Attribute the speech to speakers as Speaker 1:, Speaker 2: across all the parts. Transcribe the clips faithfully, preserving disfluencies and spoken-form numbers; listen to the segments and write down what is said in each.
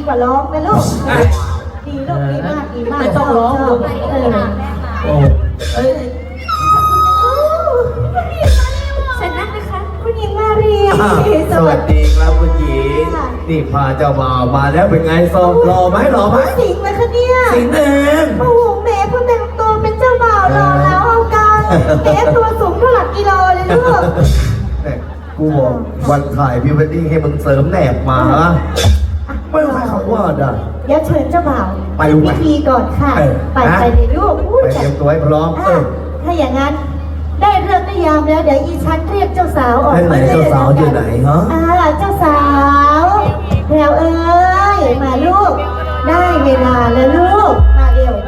Speaker 1: ว่าร้องนะลูกดีลูกดีมากดีมาก
Speaker 2: ไม่ต้องร้องลูก
Speaker 1: เออ
Speaker 2: โอ้เอ้ย
Speaker 1: เสร็จนั่งนะคะคุณหญิงมาเรีย
Speaker 3: อ่าสวัสดีครับคุณหญิงนี่พาเจ้าบ่าวมาแล้วเป็นไงซอมรอไหมรอไหม
Speaker 1: สิงห์นะคะเนี่ย
Speaker 3: สิงห์เอง
Speaker 1: โอ้โหแม่เพิ่งแต่งตัวเป็นเจ้าบ่าวรอแล้วเอากันแม่ตัวสูงเท่าหลักกิโลเลยลูก
Speaker 3: แม่กูบอกวันถ่ายพรีเวดดิ้งให้มึงเสริมแหนบมาฮะไม่ใช่คำว่าได้
Speaker 1: เดี๋ยวเชิญเจ้าบ่าว
Speaker 3: ไปลูก
Speaker 1: พิธีก่อนค่ะ
Speaker 3: เออ
Speaker 1: ไป
Speaker 3: นะ
Speaker 1: ไปเลยลูกอุ้ย
Speaker 3: ไปเตรียมตัวให้พร้อมเอ
Speaker 1: อ่ะ
Speaker 3: อ
Speaker 1: ถ้าอย่างนั้นได้เรื่องได้ยามแล้วเดี๋ยวอีฉันเรียกเจ้าสาวออก
Speaker 3: ไหน
Speaker 1: มา
Speaker 3: ๆเจ้าสาวอยู่ไหนฮะ
Speaker 1: อ่าเจ้าสาวแพรวเอ้ยมาลูก ได้เวลาแล้วลูกมาเร็ว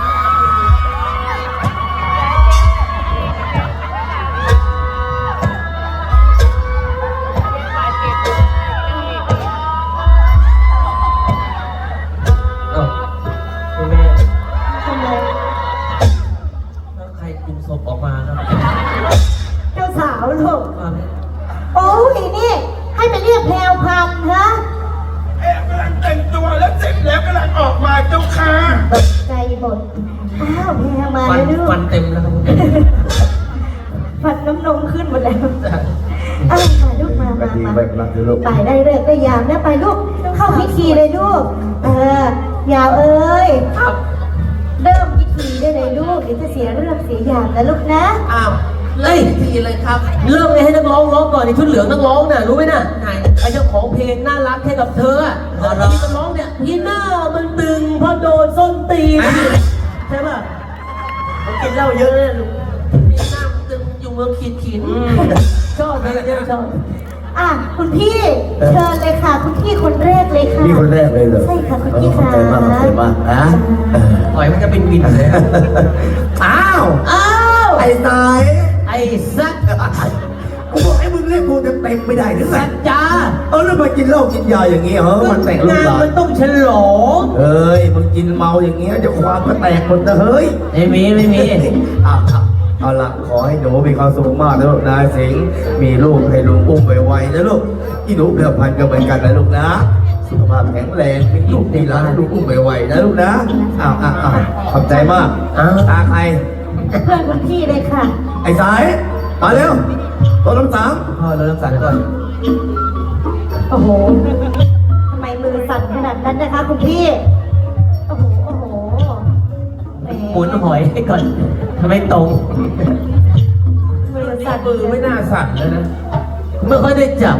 Speaker 2: เอ้าคุณแม่
Speaker 1: ทำไม
Speaker 2: แล้วใครกุมศพออกมาครับ
Speaker 1: เจ้าสาวลูก
Speaker 2: อ่า
Speaker 1: โอ้ยนี่ให้ไปเรียกแพรวพันธุ์ฮะ
Speaker 4: แอบกำลังแต่งตัวแล้วเสร็จแล้วกำลังออกมาเจ้าค่ะ
Speaker 1: ตกใจหมดอ้าวแพรวมา
Speaker 2: ฟัน
Speaker 1: แล้วลูก
Speaker 2: ฟันเต็มแล้วครับคุณแม่
Speaker 1: ฟันน้ำนมขึ้นหมดแล้วอ้าวมาลูกมา
Speaker 3: ก็
Speaker 1: มา
Speaker 3: ดี
Speaker 1: มา
Speaker 3: แบบนั้นเลยลูก
Speaker 1: ไปได้เลิกได้ยามนะไปลูกเข้าพิธีเลยลูก เออยาวเอ้ย
Speaker 2: ครับ
Speaker 1: เริ่มพิธีได้เลยลูกเดี๋ยวจะเสียเรื่องเสียอย่างนะลูกนะ
Speaker 2: อ้าวเล่นทีเลยครับ เริ่มเลยให้นักร้องร้องก่อนในชุดเหลืองนักร้องน่ะรู้ไหมน่ะไหนไอ้เจ้าของเพลงน่ารักแค่กับเธออ่ะที่มันร้องเนี่ยพี่หน้ามันตึงเพราะโดนส้นตีนใช่ป่ะผมกินเหล้าเยอะเลยลูกพี่หน้ามันตึงอยู่เมืองขีดขินชอบเลยเนี่ยชอบ
Speaker 1: อ่ะคุณพี่เชิญเลยค่ะ คุณพี่คนแรกเลยค่ะ
Speaker 3: นี่คนแรกเลยเหรอ
Speaker 1: ใช่ค่ะคุณ
Speaker 3: เออ
Speaker 1: พี่
Speaker 3: ขอบ
Speaker 1: ค่ะ
Speaker 3: ใจมากขอบใจมากนะเออ
Speaker 2: ปล่อยมันจะเป็นวินเลย
Speaker 3: อ้าว
Speaker 2: อ้าว
Speaker 3: ไอ้สาย
Speaker 2: ไอ้สัก
Speaker 3: กูบอกให้มึงเรียกกูเต็มเต็มไม่ได้หรือไง
Speaker 2: สัจจา
Speaker 3: เออแล้วมากินเหล้ากินยาอย่างงี้เหรอมันแต่งลูก
Speaker 2: งาน
Speaker 3: หลาน
Speaker 2: มันต้องฉลอง
Speaker 3: เอ้ยมึงกินเมาอย่างเงี้ยเดี๋ยวความก็แตกหมดนะเฮ้ย
Speaker 2: ไม่มีไม่มี
Speaker 3: อ่ะครับเอาละขอให้หนูมีความสุขมากนะลูกนะสิงห์มีลูกให้ลุงอุ้มไวๆนะลูกที่หนูเดือพันก็เหมือนกันนะลูกนะสุขภาพแข็งแรงมีลูกดีหลานลูกอุ้มไวๆนะลูกนะอ้าวอ้าวอ้าวขอบใจมาก
Speaker 2: อ้าว
Speaker 3: ตาใคร
Speaker 1: เพื่อนคุณพี่เลยค่ะ
Speaker 3: ไอ้สายมาเร็วรถน้ำสาม
Speaker 2: พ่อเราต้องสั่นก่อน
Speaker 1: โอ้โหทำไมมือสั่นขนาดนั้นนะคะ คุณพี่โอ้โหโอ้โหแหม
Speaker 2: หมุนหอยให้ก่อนทำไมตรง
Speaker 1: มือสั่น
Speaker 2: มือไม่น่าสั่นเลยนะไม่ค่อยได้จับ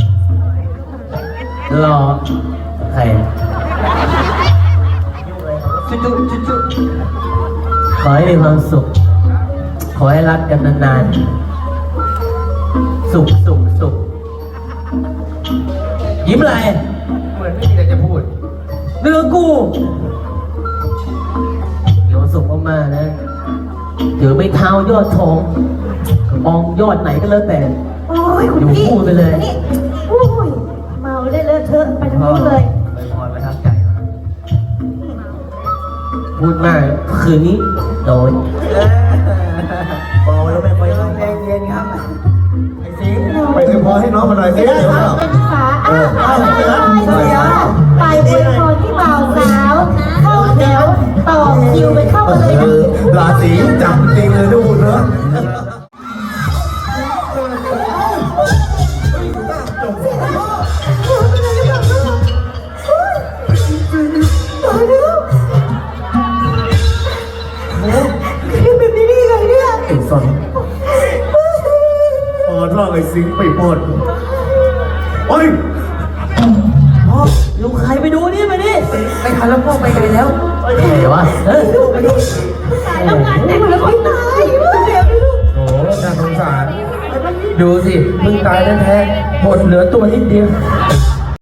Speaker 2: รอใครจุ๊จุ๊จุ๊จุ๊ขอให้มีความสุข ขอให้รักกันนานๆสุขสุขสุขยิ้มอะไร
Speaker 3: เหมือนไม่มีอะไรจะพูด
Speaker 2: เนื้อกูมีความสุขมากๆนะถือไม่เท้ายอดทองมองยอดไหนก็แล้วแต่
Speaker 1: โอ้ยคุณพี่
Speaker 2: อยู่คู่ไปเลย
Speaker 1: นี่โอ้ยเมาได้เลอะเทอะไปทั้งนู้นเลย
Speaker 2: ไปพรไปทักใจพูดมากคืนนี้โดน
Speaker 3: เบาแล้วไม่ค่อยใจเย็นครับไอ้สิงห์ไปเลยพอให้น้องมาหน่อยสิ
Speaker 1: เดี๋ยว
Speaker 3: เดี๋ยว
Speaker 1: ค่ะ
Speaker 3: เรา
Speaker 1: เป็นขาอ้าว
Speaker 3: เออ
Speaker 1: ไป
Speaker 3: เออ
Speaker 1: ไปอวยพรที่บ่าวสาว เข้าแถวต่อคิวไปเข้ามาเลย
Speaker 3: เอ
Speaker 1: นะ
Speaker 3: อราศีจับจริงเลยทุกคนเนอะ
Speaker 1: ต่อเร็วคือแบบนี้ได้ยังไงเนี่ย
Speaker 3: ไอ้สันปอดร่างไอ้สิงห์ไปปอดโอ้ย
Speaker 2: พ่อลูกใครไปดูนี่มาดิไปทันแล้วพ่อไปไกลแล้วเฮ้ยวะเฮ้ยไปดู
Speaker 1: แล้วงานแต่งแล้วไม่ตายเดี๋ยวลูก
Speaker 4: โอ้น่าสงสาร ดูสิเพิ่งตายแท้ๆหมดเหลือตัวนิดเดียว
Speaker 1: โ